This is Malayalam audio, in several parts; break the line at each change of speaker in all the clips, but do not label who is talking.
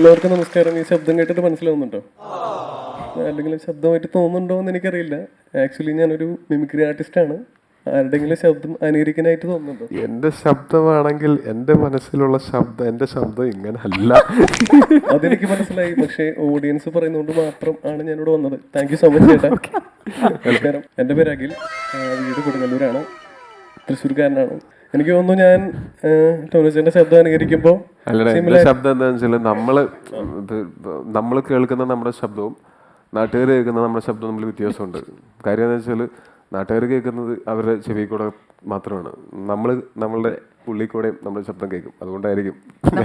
എല്ലാവർക്കും നമസ്കാരം. ഈ ശബ്ദം കേട്ടിട്ട് മനസ്സിലാവുന്നുണ്ടോ? അല്ലെങ്കിൽ ശബ്ദമായിട്ട് തോന്നുന്നുണ്ടോ എന്ന് എനിക്കറിയില്ല. ആക്ച്വലി ഞാനൊരു മിമിക്രി ആർട്ടിസ്റ്റാണ്. ആരുടെങ്കിലും ശബ്ദം അനുകരിക്കാനായിട്ട് തോന്നുന്നുണ്ടോ?
എന്റെ ശബ്ദമാണെങ്കിൽ എന്റെ മനസ്സിലുള്ള ശബ്ദം എന്റെ ശബ്ദം ഇങ്ങനെ അല്ല.
അതെനിക്ക് മനസ്സിലായി. പക്ഷേ ഓഡിയൻസ് പറയുന്നതുകൊണ്ട് മാത്രം ആണ് ഞാനിവിടെ വന്നത്. താങ്ക് യു സോ മച്ച് ചേട്ടാ. നമസ്കാരം. എൻ്റെ പേര് അഖിൽ. വീട് കൊടുങ്ങല്ലൂരാണ്. തൃശ്ശൂർക്കാരനാണ്. എനിക്ക് തോന്നുന്നു ഞാൻ ടോനോസിന്റെ ശബ്ദം അനുകരിക്കുമ്പോൾ
അല്ലടാ, എന്റെ ശബ്ദം എന്താണെന്ന് വെച്ചാൽ നമ്മള് കേൾക്കുന്ന നമ്മുടെ ശബ്ദവും നാട്ടുകാർ കേൾക്കുന്ന നമ്മുടെ ശബ്ദവും തമ്മിൽ വ്യത്യാസമുണ്ട്. കാര്യം എന്താ വെച്ചാൽ നാട്ടുകാർ കേൾക്കുന്നത് അവരുടെ ചെവി കൂടെ മാത്രമാണ്. നമ്മളുടെ ഉള്ളിൽ കൂടെ നമ്മുടെ ശബ്ദം കേൾക്കും. അതുകൊണ്ടായിരിക്കും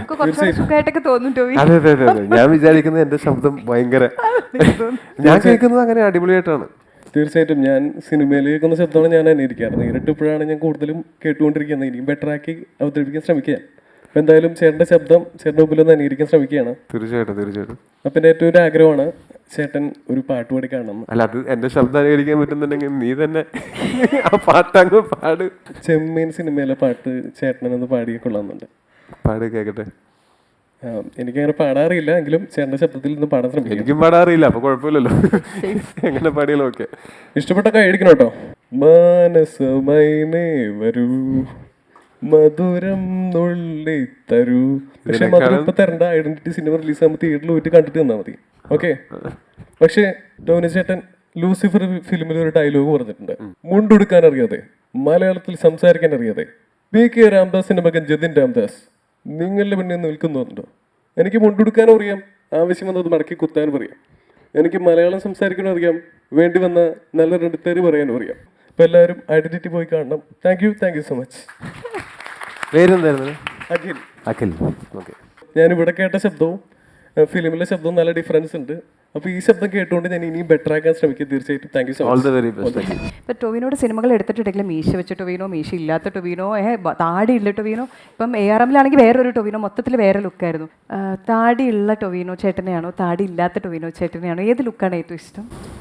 അതെ അതെ അതെ അതെ ഞാൻ വിചാരിക്കുന്നത് എന്റെ ശബ്ദം ഭയങ്കര ഞാൻ കേൾക്കുന്നത് അങ്ങനെ അടിപൊളിയായിട്ടാണ്.
തീർച്ചയായിട്ടും ഞാൻ സിനിമയിൽ കേൾക്കുന്ന ശബ്ദമാണ് ഞാൻ അനുകരിക്കാറ്. നേരിട്ടിപ്പോഴാണ് ഞാൻ കൂടുതലും കേട്ടുകൊണ്ടിരിക്കുന്നത്. ഇനിയും ബെറ്റർ ആക്കി അവതരിപ്പിക്കാൻ ശ്രമിക്കുക. അപ്പം എന്തായാലും ചേട്ടൻ്റെ ശബ്ദം ചേട്ടൻ്റെ മുമ്പിൽ ഒന്ന് അനുകരിക്കാൻ ശ്രമിക്കുകയാണ്.
തീർച്ചയായിട്ടും തീർച്ചയായിട്ടും.
അപ്പം എൻ്റെ ഏറ്റവും ഒരു ആഗ്രഹമാണ് ചേട്ടൻ ഒരു പാട്ട് പാടി കാണണം.
അല്ല, അത് എന്റെ ശബ്ദം അനുകരിക്കാൻ പറ്റുന്നുണ്ടെങ്കിൽ നീ തന്നെ ആ പാട്ടങ്ങ് പാട്.
ചെമ്മീൻ സിനിമയിലെ പാട്ട് ചേട്ടനൊന്ന് പാടിയ കൊള്ളാമെന്നുണ്ട്.
പാട് കേക്കട്ടെ.
എനിക്കങ്ങനെ പാടാറില്ല, എങ്കിലും ചേട്ടൻ്റെ ശബ്ദത്തിൽ നിന്ന് പാടാൻ ശ്രമിക്കും.
എനിക്കും പാടാറില്ല, അപ്പൊ കുഴപ്പമില്ലല്ലോ. എങ്ങനെ പാടിയാലും ഓക്കെ.
ഇഷ്ടപ്പെട്ട കഴിക്കണം കേട്ടോ. മാനസമൈനേ വരൂ മധുരം നുള്ളി തരൂ. പക്ഷെ മധുരം ഇപ്പൊ തരണ്ട. ഐഡന്റിറ്റി സിനിമ റിലീസ് ആകുമ്പോൾ തിയേറ്ററിൽ പോയിട്ട് കണ്ടിട്ട് തന്നാൽ മതി. ഓക്കെ. പക്ഷേ ടോനി ചേട്ടൻ ലൂസിഫർ ഫിലിമിൽ ഒരു ഡയലോഗ് പറഞ്ഞിട്ടുണ്ട്. മുണ്ടുടുക്കാൻ അറിയാതെ, മലയാളത്തിൽ സംസാരിക്കാൻ അറിയാതെ പി.കെ. രാംദാസിന്റെ മകൻ ജതിൻ രാംദാസ് നിങ്ങളുടെ മുന്നിൽ നിൽക്കുന്നുണ്ടോ? എനിക്ക് മുണ്ടുടുക്കാനും അറിയാം, ആവശ്യം വന്നത് മടക്കി കുത്താനും അറിയാം. എനിക്ക് മലയാളം സംസാരിക്കാനും അറിയാം, വേണ്ടി വന്ന നല്ല രണ്ട് തെറി പറയാനും അറിയാം. അപ്പൊ എല്ലാവരും ഐഡന്റിറ്റി പോയി കാണണം. Thank you so much.
പേരെന്തായിരുന്നു?
അഖിൽ.
അഖിൽ. ഓക്കെ.
ഞാനിവിടെ കേട്ട ശബ്ദവും ഫിലിമിലെ ശബ്ദവും നല്ല ഡിഫറൻസ് ഉണ്ട്. അപ്പോൾ ഈ ശബ്ദം കേട്ടുകൊണ്ട് ഞാൻ ഇനിയും ബെറ്റർ ആക്കാൻ ശ്രമിക്കും. തീർച്ചയായിട്ടും താങ്ക് യു സോ മച്ച്.
ഇപ്പം ടൊവിനോട് സിനിമകൾ എടുത്തിട്ടുണ്ടെങ്കിൽ മീശ വെച്ച ടൊവിനോ, മീശ ഇല്ലാത്ത ടൊവിനോ, താടിയുള്ള ടൊവിനോ. ഇപ്പം ARMലാണെങ്കിൽ വേറൊരു ടൊവിനോ, മൊത്തത്തിൽ വേറെ ലുക്കായിരുന്നു. താടിയുള്ള ടൊവിനോ ചേട്ടനെയാണോ താടി ഇല്ലാത്ത ടൊവിനോ ചേട്ടനെയാണോ? ഏത് ലുക്കാണ് ഏറ്റവും ഇഷ്ടം?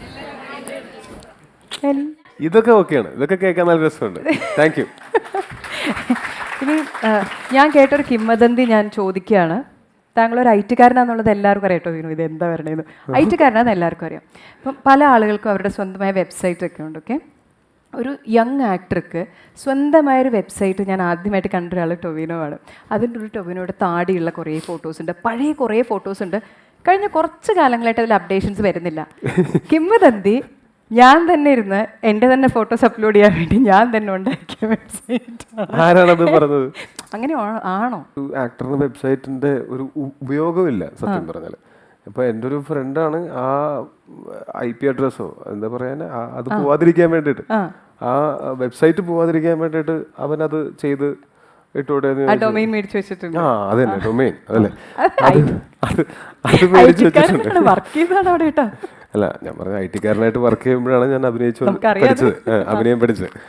ഇതൊക്കെ ഓക്കെയാണ്. ഇതൊക്കെ കേൾക്കാൻ നല്ല രസമുണ്ട്. Thank you.
ഇനി ഞാൻ കേട്ടൊരു കിംവദന്തി ഞാൻ ചോദിക്കുകയാണ്. താങ്കൾ ഒരു IT-കാരനാന്നുള്ളത് എല്ലാവർക്കും അറിയാം. ടൊവിനോ ഇത് എന്താ പറയണത്? IT-കാരനാന്ന് എല്ലാവർക്കും അറിയാം. അപ്പം പല ആളുകൾക്കും അവരുടെ സ്വന്തമായ വെബ്സൈറ്റ് ഒക്കെ ഉണ്ട്. ഓക്കെ. ഒരു യങ് ആക്ടർക്ക് സ്വന്തമായൊരു വെബ്സൈറ്റ് ഞാൻ ആദ്യമായിട്ട് കണ്ട ഒരാൾ ടൊവിനോ ആണ്. അതിൻ്റെ ഒരു ടൊവിനോയുടെ താടിയുള്ള കുറേ ഫോട്ടോസ് ഉണ്ട്, പഴയ കുറേ ഫോട്ടോസ് ഉണ്ട്. കഴിഞ്ഞ കുറച്ച് കാലങ്ങളായിട്ട് അതിൽ അപ്ഡേഷൻസ് വരുന്നില്ല. കിംവദന്തി ഞാൻ തന്നെ ഇരുന്ന് എൻ്റെ തന്നെ ഫോട്ടോസ് അപ്ലോഡ് ചെയ്യാൻ വേണ്ടി ഞാൻ തന്നെ ഉണ്ടാക്കിയ വെബ്സൈറ്റ്.
ആരാണത് പറഞ്ഞത്?
അങ്ങനെ ആണോ?
ആക്ടറിന് വെബ്സൈറ്റിന്റെ ഒരു ഉപയോഗമില്ല സത്യം പറഞ്ഞാൽ. ഇപ്പൊ എൻ്റെ ഒരു ഫ്രണ്ടാണ് ആ IP അഡ്രസ്സോ എന്താ പറയാൻ അത് പോവാതിരിക്കാൻ വേണ്ടിയിട്ട്, ആ വെബ്സൈറ്റ് പോവാതിരിക്കാൻ വേണ്ടിയിട്ട് അവനത് ചെയ്ത് ഇട്ടോടെ.
ഡൊമൈൻ മേടിച്ചു വെച്ചിട്ടുണ്ട്.
അതന്നെ ഡൊമൈൻ. അതല്ലേ അത് മേടിച്ചു വെച്ചിട്ടുണ്ട്.
വർക്ക് ചെയ്താണ് അവിടെ കേട്ടോ.
അല്ല, ഞാൻ പറഞ്ഞ IT-കാരനായിട്ട് വർക്ക് ചെയ്യുമ്പോഴാണ് ഞാൻ അഭിനയം പഠിച്ചത്.